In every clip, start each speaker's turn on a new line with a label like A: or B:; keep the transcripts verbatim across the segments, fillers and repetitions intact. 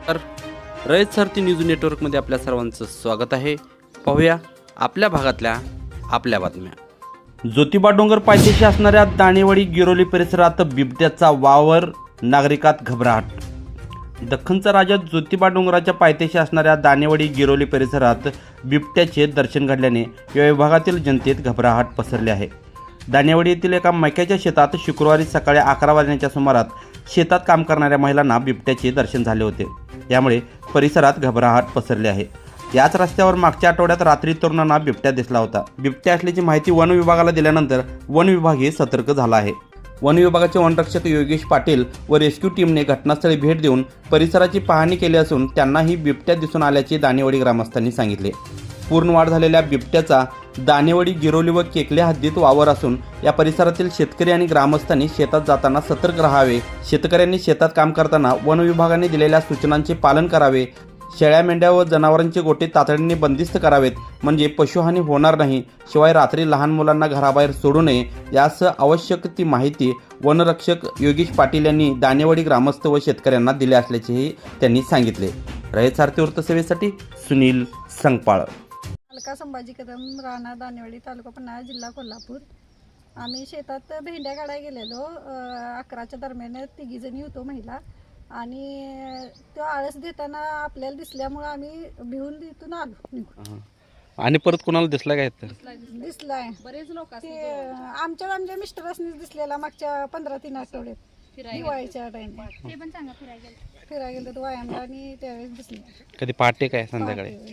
A: तर रयत सारथी न्यूज नेटवर्कमध्ये आपल्या सर्वांचं स्वागत आहे. पाहूया आपल्या भागातल्या आपल्या बातम्या. ज्योतिबा डोंगर पायथ्याशी असणाऱ्या दाणेवाडी गिरोली परिसरात बिबट्याचा वावर, नागरिकात घबराट. दख्खनचा राजा ज्योतिबा डोंगराच्या पायथ्याशी असणाऱ्या दाणेवाडी गिरोली परिसरात बिबट्याचे दर्शन घडल्याने या विभागातील जनतेत घबराट पसरली आहे. दाणेवाडी येथील एका मक्याच्या शेतात शुक्रवारी सकाळी अकरा वाजण्याच्या सुमारास शेतात काम करणाऱ्या महिलांना बिबट्याचे दर्शन झाले होते. यामुळे परिसरात घबराट पसरली आहे. याच रस्त्यावर मागच्या आठवड्यात रात्री तरुणांना बिबट्या दिसला होता. बिबट्या असल्याची माहिती वन विभागाला दिल्यानंतर वन विभागही सतर्क झाला आहे. वन विभागाचे वनरक्षक योगेश पाटील व रेस्क्यू टीमने घटनास्थळी भेट देऊन परिसराची पाहणी केली असून त्यांनाही बिबट्या दिसून आल्याचे दाणेवाडी ग्रामस्थांनी सांगितले. पूर्ण वाढ झालेल्या बिबट्याचा दाणेवाडी गिरोली व केकले हद्दीत वावर असून या परिसरातील शेतकरी आणि ग्रामस्थांनी शेतात जाताना सतर्क राहावे. शेतकऱ्यांनी शेतात काम करताना वन विभागाने दिलेल्या सूचनांचे पालन करावे. शेळ्या, मेंढ्या व जनावरांचे गोटे तातडीने बंदिस्त करावेत म्हणजे पशुहानी होणार नाही. शिवाय रात्री लहान मुलांना घराबाहेर सोडू नये यासह आवश्यक ती माहिती वनरक्षक योगेश पाटील यांनी दाणेवाडी ग्रामस्थ व शेतकऱ्यांना दिले असल्याचेही त्यांनी सांगितले. रयत सारथी वृत्तसेवेसाठी सुनील संगपाळ.
B: अलका संभाजी कदम, राणा दाणेवाडी, तालुका पन्हाळा, जिल्हा कोल्हापूर. आम्ही शेतात भेंड्या काढायला गेलेलो. अकराच्या दरम्यान तिघी जणी होतो महिला, आणि तो आळस देताना आपल्याला दिसल्यामुळे आम्ही भिवून तिथून आलो निघून.
A: आणि परत कोणाला दिसला काय?
B: दिसलाय बरेच लोक ते आमच्या आमच्या मिस्टरांनी दिसलेला मागच्या पंधरा तीन आठवड्यात दिवाळीच्या टाइमला फिरायला गेलो तो व्यायामला, आणि त्यावेळेस दिसले.
A: कधी पहाटे काय संध्याकाळी?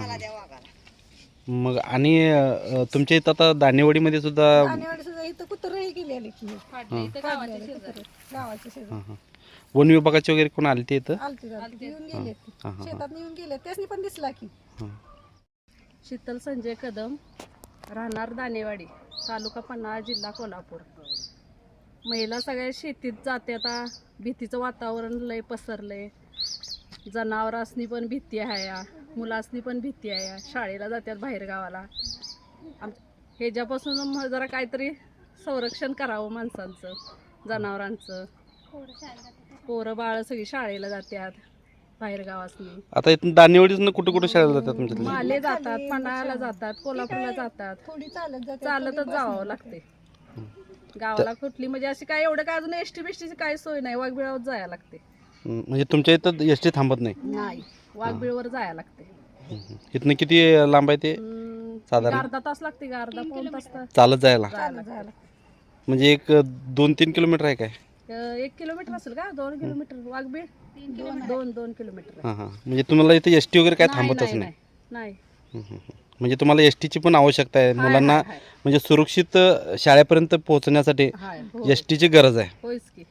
A: मग आणि अ, तुमच्या इथं आता दाणेवाडीमध्ये सुद्धा
B: दाणेवाडी सुद्धा इथं कुत्रही गेलेले की गावाच्या शेजारी
A: वन विभागाचे वगैरे कोण आले ते इथं?
B: आलते आलते येऊन गेले, शेतात येऊन गेले, त्यासनी पण दिसला की.
C: शीतल संजय कदम, राहणार दाणेवाडी, तालुका पन्हाळा, जिल्हा कोल्हापूर. महिला सगळ्या शेतीत जाते. आता भीतीचं वातावरण लय पसरलंय. जनावरांसनी पण भीती आहे, मुलासनी पण भीती आहे. शाळेला जातात बाहेर गावाला. आम ह्याच्यापासून मग जरा काहीतरी संरक्षण करावं माणसांचं, जनावरांचं. पोरं बाळ सगळी शाळेला जातात बाहेर गावासनी.
A: आता इथून दाणेवाडीतून कुठे कुठे शाळेला जातात तुमच्यातले?
C: माले जातात, पन्हाळ्याला जातात, कोल्हापूरला जातात.
B: थोडी चालत जाते,
C: चालतच जावं लागते गावाला. कुठली म्हणजे अशी काय एवढं काय अजून एसटी बिष्टीची काय सोय नाही. वाघबिळावर जायला लागते.
A: म्हणजे तुमच्या इथं एस टी थांबत नाही?
C: नाही, वाघबिळवर जायला लागते.
A: इथनं किती लांब आहे ते साधारण?
C: अर्धा तास लागते का, अर्धा पाऊण तास
A: चालत जायला?
C: जायला जायला
A: म्हणजे एक दोन तीन किलोमीटर आहे काय?
C: एक किलोमीटर असेल का? दोन किलोमीटर वाघबीळ दोन दोन किलोमीटर.
A: हां हां. म्हणजे तुम्हाला इथं एस टी वगैरे काय थांबतच नाही?
C: नाही.
A: म्हणजे तुम्हाला एस टीची पण आवश्यकता आहे मुलांना, म्हणजे सुरक्षित शाळेपर्यंत पोहोचण्यासाठी एस टीची गरज आहे.
C: होयच की.